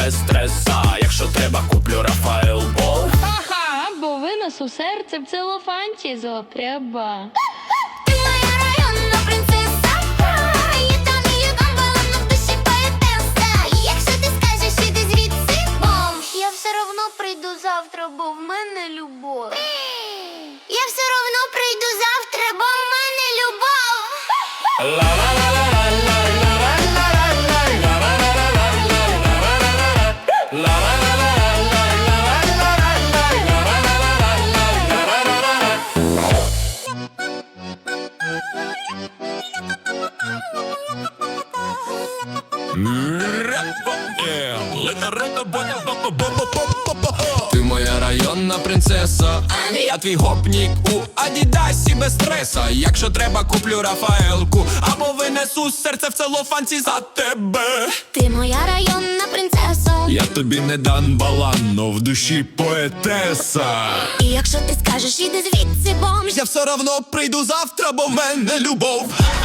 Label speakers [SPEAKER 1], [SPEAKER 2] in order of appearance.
[SPEAKER 1] без стреса. Якщо треба, куплю Рафаел Бол.
[SPEAKER 2] Ага, бо винесу серце в целофанті зотряба.
[SPEAKER 3] Ти моя районна принцеса, я там і там балом в душі поетеса. Якщо ти скажеш, іди звідси, бомж, я все равно прийду завтра, бо в мене любов. Я все равно прийду завтра, бо в мене любов.
[SPEAKER 1] Ти моя районна принцеса, я твій гопнік у Адідасі без стреса. Якщо треба, куплю Рафаелку або винесу серце в целофанці за тебе.
[SPEAKER 3] Ти моя районна принцеса,
[SPEAKER 1] Я тобі не дан балан, но в душі поетеса.
[SPEAKER 3] і якщо ти скажеш, іди звідси, бомж,
[SPEAKER 1] Я все равно прийду завтра, бо в мене любов.